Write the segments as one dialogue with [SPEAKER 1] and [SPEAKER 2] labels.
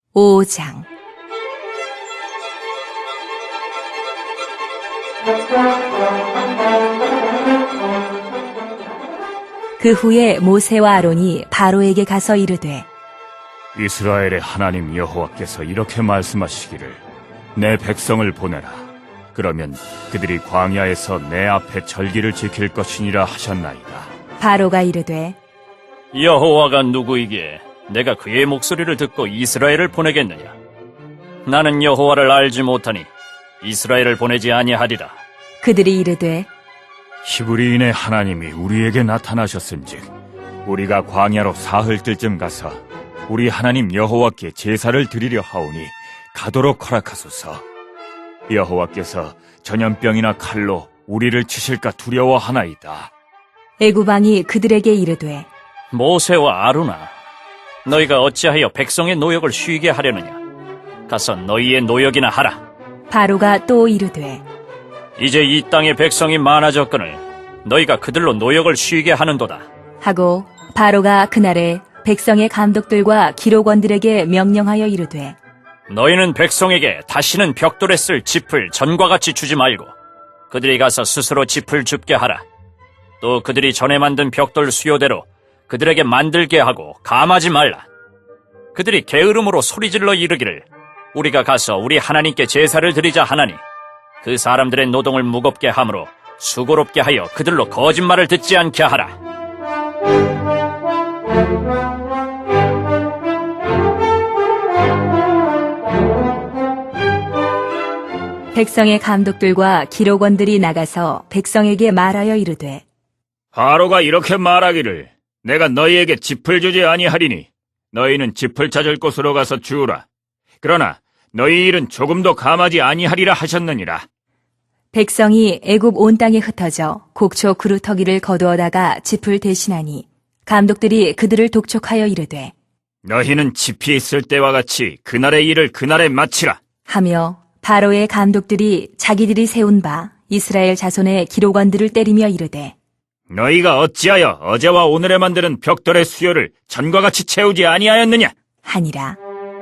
[SPEAKER 1] 5장. 그 후에 모세와 아론이 바로에게 가서 이르되,
[SPEAKER 2] 이스라엘의 하나님 여호와께서 이렇게 말씀하시기를 내 백성을 보내라. 그러면 그들이 광야에서 내 앞에 절기를 지킬 것이니라 하셨나이다.
[SPEAKER 1] 바로가 이르되,
[SPEAKER 3] 여호와가 누구이기에 내가 그의 목소리를 듣고 이스라엘을 보내겠느냐? 나는 여호와를 알지 못하니 이스라엘을 보내지 아니하리라.
[SPEAKER 1] 그들이 이르되,
[SPEAKER 2] 히브리인의 하나님이 우리에게 나타나셨은즉 우리가 광야로 사흘 뜰쯤 가서 우리 하나님 여호와께 제사를 드리려 하오니 가도록 허락하소서. 여호와께서 전염병이나 칼로 우리를 치실까 두려워하나이다.
[SPEAKER 1] 애굽왕이 그들에게 이르되,
[SPEAKER 3] 모세와 아론아, 너희가 어찌하여 백성의 노역을 쉬게 하려느냐? 가서 너희의 노역이나 하라.
[SPEAKER 1] 바로가 또 이르되,
[SPEAKER 3] 이제 이 땅의 백성이 많아졌거늘 너희가 그들로 노역을 쉬게 하는도다.
[SPEAKER 1] 하고 바로가 그날에 백성의 감독들과 기록원들에게 명령하여 이르되,
[SPEAKER 3] 너희는 백성에게 다시는 벽돌에 쓸 짚을 전과 같이 주지 말고 그들이 가서 스스로 짚을 줍게 하라. 또 그들이 전에 만든 벽돌 수요대로 그들에게 만들게 하고 감하지 말라. 그들이 게으름으로 소리질러 이르기를 우리가 가서 우리 하나님께 제사를 드리자 하나니 그 사람들의 노동을 무겁게 함으로 수고롭게 하여 그들로 거짓말을 듣지 않게 하라.
[SPEAKER 1] 백성의 감독들과 기록원들이 나가서 백성에게 말하여 이르되,
[SPEAKER 2] 바로가 이렇게 말하기를 내가 너희에게 짚을 주지 아니하리니 너희는 짚을 찾을 곳으로 가서 주우라. 그러나 너희 일은 조금도 감하지 아니하리라 하셨느니라.
[SPEAKER 1] 백성이 애굽 온 땅에 흩어져 곡초 그루터기를 거두어다가 짚을 대신하니 감독들이 그들을 독촉하여 이르되,
[SPEAKER 2] 너희는 짚이 있을 때와 같이 그날의 일을 그날에 마치라.
[SPEAKER 1] 하며 바로의 감독들이 자기들이 세운 바 이스라엘 자손의 기록원들을 때리며 이르되,
[SPEAKER 2] 너희가 어찌하여 어제와 오늘에 만드는 벽돌의 수요를 전과 같이 채우지 아니하였느냐?
[SPEAKER 1] 하니라.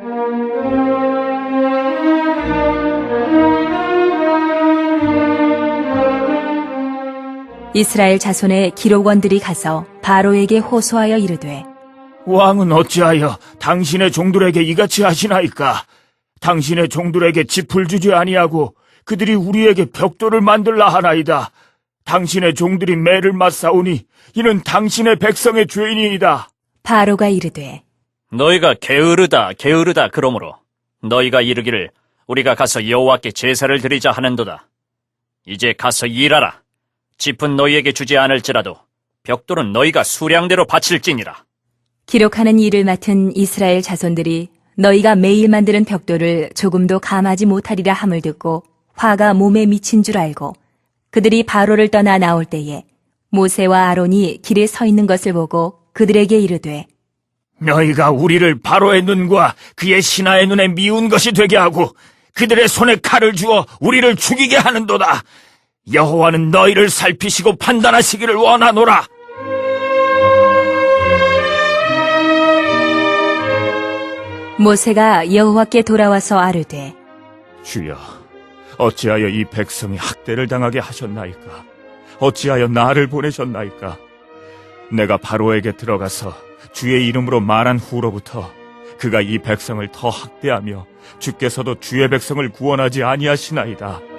[SPEAKER 1] 이스라엘 자손의 기록원들이 가서 바로에게 호소하여 이르되,
[SPEAKER 2] 왕은 어찌하여 당신의 종들에게 이같이 하시나이까? 당신의 종들에게 짚을 주지 아니하고 그들이 우리에게 벽돌을 만들라 하나이다. 당신의 종들이 매를 맞사오니 이는 당신의 백성의 죄인이이다.
[SPEAKER 1] 바로가 이르되,
[SPEAKER 3] 너희가 게으르다 그러므로 너희가 이르기를 우리가 가서 여호와께 제사를 드리자 하는도다. 이제 가서 일하라. 짚은 너희에게 주지 않을지라도 벽돌은 너희가 수량대로 바칠지니라.
[SPEAKER 1] 기록하는 일을 맡은 이스라엘 자손들이 너희가 매일 만드는 벽돌을 조금도 감하지 못하리라 함을 듣고 화가 몸에 미친 줄 알고 그들이 바로를 떠나 나올 때에 모세와 아론이 길에 서 있는 것을 보고 그들에게 이르되,
[SPEAKER 2] 너희가 우리를 바로의 눈과 그의 신하의 눈에 미운 것이 되게 하고 그들의 손에 칼을 주어 우리를 죽이게 하는도다. 여호와는 너희를 살피시고 판단하시기를 원하노라.
[SPEAKER 1] 모세가 여호와께 돌아와서 아뢰되,
[SPEAKER 2] 주여, 어찌하여 이 백성이 학대를 당하게 하셨나이까? 어찌하여 나를 보내셨나이까? 내가 바로에게 들어가서 주의 이름으로 말한 후로부터 그가 이 백성을 더 학대하며 주께서도 주의 백성을 구원하지 아니하시나이다.